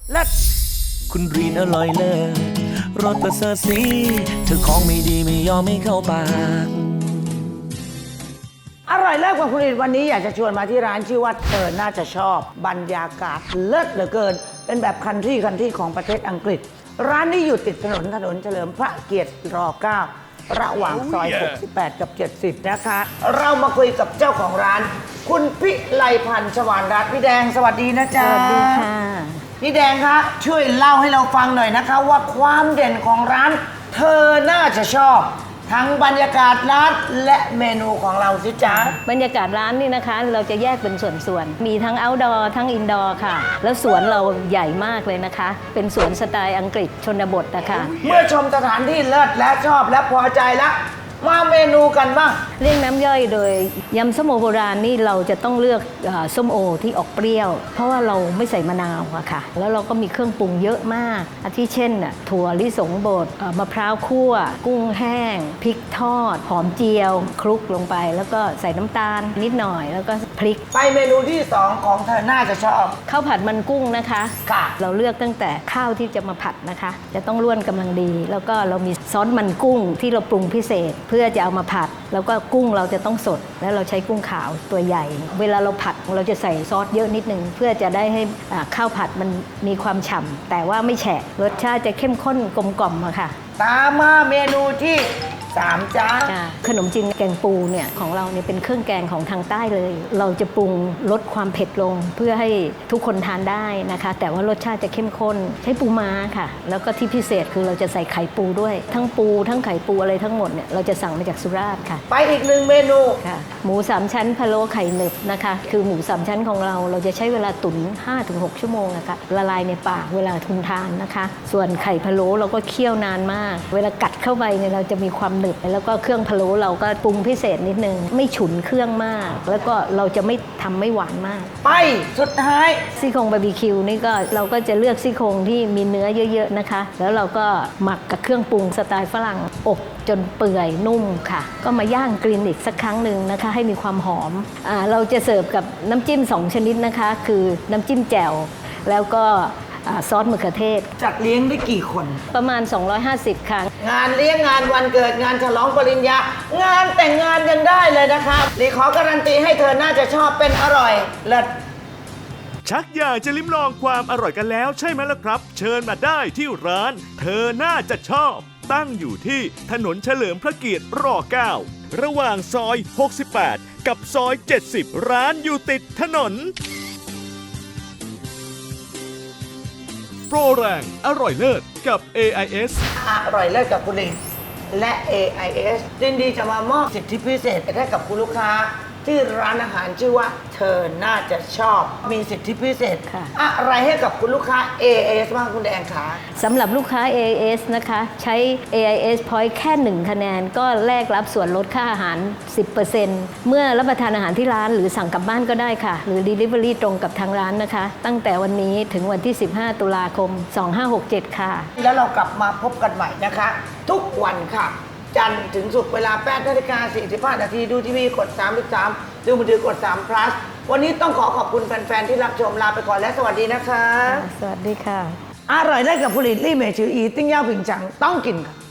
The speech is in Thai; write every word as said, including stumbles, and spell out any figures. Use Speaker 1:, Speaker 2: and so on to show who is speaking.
Speaker 1: เลิศคุณรีนอร่อยเลิศรสประเสริฐสีเธอของไม่ดีไม่ยอมไม่เข้าปาก
Speaker 2: อร่อยเลิศกว่าคุณรีนวันนี้อยากจะชวนมาที่ร้านชื่อว่าเธอน่าจะชอบบรรยากาศเลิศเหลือเกินเป็นแบบคันทรีคันทรีของประเทศอังกฤษร้านนี้อยู่ติดถนนถนนเฉลิมพระเกียรติรเก้าระหว่างซอยหกสิบแปดกับเจ็ดสิบนะคะเรามาคุยกับเจ้าของร้านคุณพิไลพันธ์ชวานรัตน์พี่แดงสวัสดีนะจ๊ะสวัสดีค่ะพี่แดงคะช่วยเล่าให้เราฟังหน่อยนะคะว่าความเด่นของร้านเธอน่าจะชอบทั้งบรรยากาศร้านและเมนูของเราสิจ๊ะ
Speaker 3: บรรยากาศร้านนี่นะคะเราจะแยกเป็นส่วนๆมีทั้ง outdoor ทั้ง indoor ค่ะแล้วสวนเราใหญ่มากเลยนะคะเป็นสวนสไตล์อังกฤษชนบทนะคะ
Speaker 2: เมื่อชมสถานที่เลิศและชอบและพอใจแล้วมาเมนูกันบ้าง
Speaker 3: เรียกน้ำย่อยโดยยำส้มโอโบราณนี่เราจะต้องเลือกส้มโอที่ออกเปรี้ยวเพราะว่าเราไม่ใส่มะนาวอะค่ะแล้วเราก็มีเครื่องปรุงเยอะมากอาทิเช่นถั่วลิสงบดมะพร้าวคั่วกุ้งแห้งพริกทอดหอมเจียวคลุกลงไปแล้วก็ใส่น้ำตาลนิดหน่อยแล้วก็พริก
Speaker 2: ไปเมนูที่สองของเธอน่าจะชอบ
Speaker 3: ข้าวผัดมันกุ้งนะคะ
Speaker 2: ค่ะ
Speaker 3: เราเลือกตั้งแต่ข้าวที่จะมาผัดนะคะจะต้องร่วนกำลังดีแล้วก็เรามีซอสมันกุ้งที่เราปรุงพิเศษเพื่อจะเอามาผัดแล้วก็กุ้งเราจะต้องสดแล้วเราใช้กุ้งขาวตัวใหญ่เวลาเราผัดเราจะใส่ซอสเยอะนิดนึงเพื่อจะได้ให้ข้าวผัดมันมีความฉ่ำแต่ว่าไม่แฉะรสชาติจะเข้มข้นกลมกล่อมอะค่ะ
Speaker 2: ตามมาเมนูที่สามจ้า
Speaker 3: ขนมจีนแกงปูเนี่ยของเราเนี่ยเป็นเครื่องแกงของทางใต้เลยเราจะปรุงลดความเผ็ดลงเพื่อให้ทุกคนทานได้นะคะแต่ว่ารสชาติจะเข้มข้นใช้ปูม้าค่ะแล้วก็ที่พิเศษคือเราจะใส่ไข่ปูด้วยทั้งปูทั้งไข่ปูอะไรทั้งหมดเนี่ยเราจะสั่งมาจากสุราษฎร์ค่ะ
Speaker 2: ไปอีกหนึ่งเมนู
Speaker 3: ค่ะหมูสามชั้นพะโล้ไข่หนึบนะคะคือหมูสามชั้นของเราเราจะใช้เวลาตุ๋น ห้าถึงหก ชั่วโมงนะคะละลายในปากเวลาทุนทานนะคะส่วนไข่พะโล้เราก็เคี่ยวนานมากเวลากัดเข้าไปเนี่ยเราจะมีความหนึบแล้วก็เครื่องพะโล้เราก็ปรุงพิเศษนิดนึงไม่ฉุนเครื่องมากแล้วก็เราจะไม่ทำไม่หวานมาก
Speaker 2: ไปสุดท้าย
Speaker 3: ซี่โครงบาร์บีคิวนี่ก็เราก็จะเลือกซี่โครงที่มีเนื้อเยอะๆนะคะแล้วเราก็หมักกับเครื่องปรุงสไตล์ฝรั่งอบจนเปื่อยนุ่มค่ะก็มาย่างกรีนอีกสักครั้งหนึ่งนะคะให้มีความหอมอ่าเราจะเสิร์ฟกับน้ำจิ้มสองชนิดนะคะคือน้ำจิ้มแจ่วแล้วก็ซอสมะเขือเทศ
Speaker 2: จัดเลี้ยงได้กี่คน
Speaker 3: ประมาณสองร้อยห้าสิบครั้ง
Speaker 2: งานเลี้ยงงานวันเกิดงานฉลองปริญญางานแต่งงานยังได้เลยนะคะรีขอการันตีให้เธอน่าจะชอบเป็นอร่อยเลิศ
Speaker 4: ชักอยากจะลิ้มลองความอร่อยกันแล้วใช่ไหมล่ะครับเชิญมาได้ที่ร้านเธอน่าจะชอบตั้งอยู่ที่ถนนเฉลิมพระเกียรติรเก้าระหว่างซอยหกสิบแปดกับซอยเจ็ดสิบร้านอยู่ติดถนนโปรแรงอร่อยเลิศกับ เอ ไอ เอส
Speaker 2: อร่อยเลิศกับคุณลินและ เอ ไอ เอส ยินดีจะมามอบสิทธิพิเศษให้กับคุณลูกค้าที่ร้านอาหารชื่อว่าเธอน่าจะชอบมีสิทธิพิเศษอะไรให้กับคุณลูกค้า เอ ไอ เอส บ้างคุณแดงคะ
Speaker 3: สำหรับลูกค้า เอ ไอ เอส นะคะใช้ เอ ไอ เอส Point แค่หนึ่งคะแนนก็แลกรับส่วนลดค่าอาหาร สิบเปอร์เซ็นต์ เมื่อรับประทานอาหารที่ร้านหรือสั่งกลับบ้านก็ได้ค่ะหรือ Delivery ตรงกับทางร้านนะคะตั้งแต่วันนี้ถึงวันที่สิบห้าตุลาคมสองพันห้าร้อยหกสิบเจ็ดค่ะ
Speaker 2: แล้วเรากลับมาพบกันใหม่นะคะทุกวันค่ะจันทร์ถึงศุกร์เวลาแปดนาฬิกาสี่สิบห้านาทีดูทีวีกดสามสิบสามดูมือถือกดสาม plus วันนี้ต้องขอขอบคุณแฟนๆที่รับชมลาไปก่อนและสวัสดีนะคะ
Speaker 3: สวัสดีค่ะ
Speaker 2: อร่อยได้กับผลิตลี่เมชืออีติ้งย่าผิงจังต้องกินค่ะ